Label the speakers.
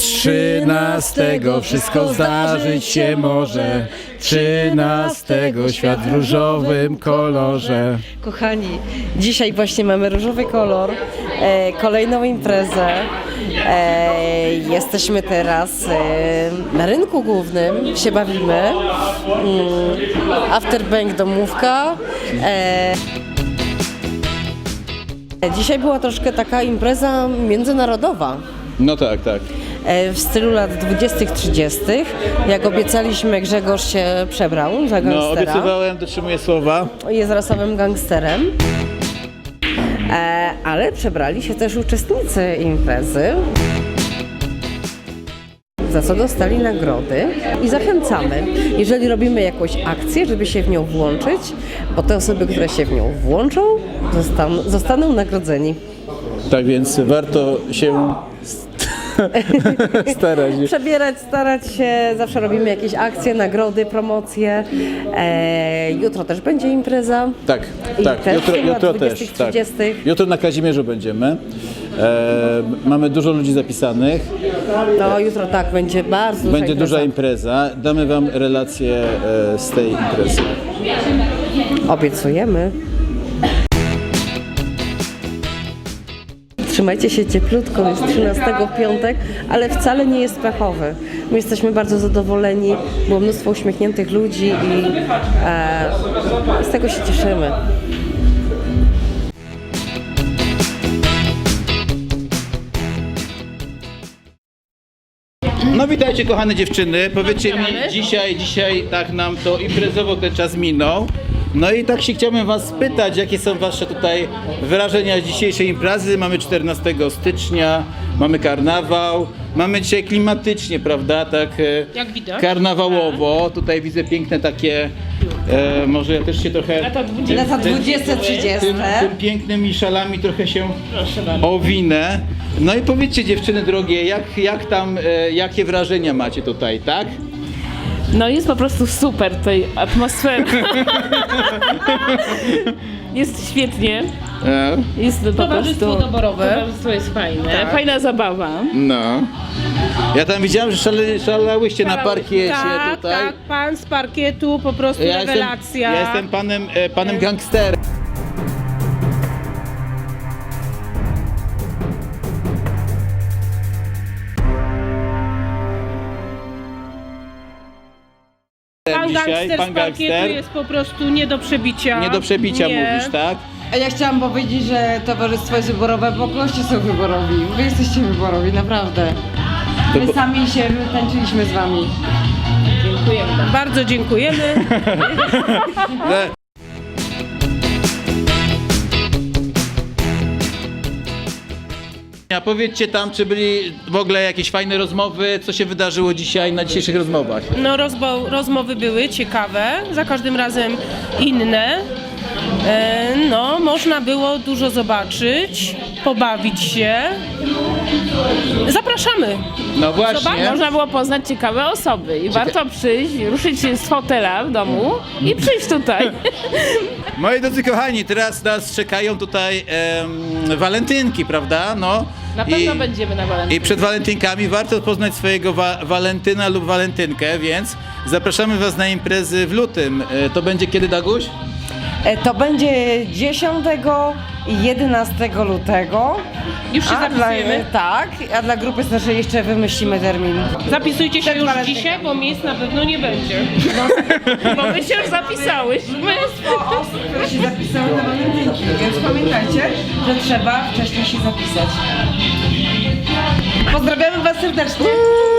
Speaker 1: 13 wszystko zdarzyć się może. 13 świat w różowym kolorze.
Speaker 2: Kochani, dzisiaj właśnie mamy różowy kolor, kolejną imprezę. Jesteśmy teraz na rynku głównym, się bawimy. Afterbank domówka. Dzisiaj była troszkę taka impreza międzynarodowa.
Speaker 1: No tak, tak.
Speaker 2: W stylu lat 20-30. Jak obiecaliśmy, Grzegorz się przebrał za gangstera.
Speaker 1: No, obiecywałem, dotrzymuję słowa.
Speaker 2: Jest rasowym gangsterem. Ale przebrali się też uczestnicy imprezy, za co dostali nagrody i zachęcamy, jeżeli robimy jakąś akcję, żeby się w nią włączyć, bo te osoby, które się w nią włączą, zostaną nagrodzeni.
Speaker 1: Tak więc warto się starać.
Speaker 2: Przebierać, starać się, zawsze robimy jakieś akcje, nagrody, promocje. Jutro też będzie impreza.
Speaker 1: Tak,
Speaker 2: I
Speaker 1: tak.
Speaker 2: też
Speaker 1: Jutro też. Tak.
Speaker 2: 30.
Speaker 1: Jutro na Kazimierzu będziemy. Mamy dużo ludzi zapisanych.
Speaker 2: No jutro tak, będzie bardzo duża
Speaker 1: Będzie
Speaker 2: impreza.
Speaker 1: duża impreza. Damy wam relację z tej imprezy.
Speaker 2: Obiecujemy. Trzymajcie się cieplutko, jest 13 piątek, ale wcale nie jest pechowy. My jesteśmy bardzo zadowoleni, było mnóstwo uśmiechniętych ludzi i z tego się cieszymy.
Speaker 1: No witajcie kochane dziewczyny, powiedzcie mi dzisiaj tak nam to imprezowo ten czas minął. No i tak się chciałbym was spytać, jakie są wasze tutaj wrażenia z dzisiejszej imprezy. Mamy 14 stycznia, mamy karnawał, mamy dzisiaj klimatycznie, prawda, tak
Speaker 3: Jak widać.
Speaker 1: karnawałowo. Tutaj widzę piękne takie, może ja też się trochę
Speaker 3: Lata 20.
Speaker 2: Lata 20-30.
Speaker 1: tym pięknymi szalami trochę się owinę. No i powiedzcie dziewczyny drogie, jak tam, jakie wrażenia macie tutaj, tak?
Speaker 3: No jest po prostu super tutaj atmosfera. Jest świetnie. Jest po prostu
Speaker 2: doborowe.
Speaker 3: Towarzystwo jest fajne. Fajna zabawa.
Speaker 1: No. Ja tam widziałem, że szalałyście na parkiecie
Speaker 4: Tak,
Speaker 1: tutaj.
Speaker 4: tak, pan z parkietu, po prostu rewelacja.
Speaker 1: Ja jestem panem gangsterem.
Speaker 4: Pan gangster
Speaker 1: pan
Speaker 4: z parkietu jest po prostu nie do przebicia.
Speaker 1: Nie do przebicia
Speaker 4: Nie.
Speaker 1: mówisz, tak?
Speaker 2: A ja chciałam powiedzieć, że towarzystwo jest wyborowe, bo goście są wyborowi. Wy jesteście wyborowi, naprawdę. My sami się tańczyliśmy z wami.
Speaker 3: Dziękujemy.
Speaker 4: Bardzo dziękujemy.
Speaker 1: A powiedzcie tam, czy byli w ogóle jakieś fajne rozmowy, co się wydarzyło dzisiaj na dzisiejszych rozmowach?
Speaker 4: No rozmowy były ciekawe, za każdym razem inne. No, można było dużo zobaczyć, pobawić się. Zapraszamy.
Speaker 1: No właśnie.
Speaker 3: Można było poznać ciekawe osoby i warto przyjść, ruszyć się z fotela w domu i przyjść tutaj.
Speaker 1: Moi drodzy kochani, teraz nas czekają tutaj walentynki, prawda? No.
Speaker 3: Na pewno będziemy na walentynki.
Speaker 1: I przed walentynkami warto poznać swojego walentyna lub walentynkę, więc zapraszamy was na imprezy w lutym. To będzie kiedy, Daguś?
Speaker 2: To będzie 10 i 11 lutego.
Speaker 4: Już się zapisujemy.
Speaker 2: Tak, a dla grupy naszej jeszcze wymyślimy termin.
Speaker 4: Zapisujcie się już
Speaker 2: walentynką.
Speaker 4: dzisiaj, bo miejsc na pewno nie będzie.
Speaker 3: Bo my się już zapisałyśmy.
Speaker 2: Mnóstwo osób, które się zapisały na walentynki, więc pamiętajcie, że trzeba wcześniej się zapisać. Pozdrawiamy was serdecznie.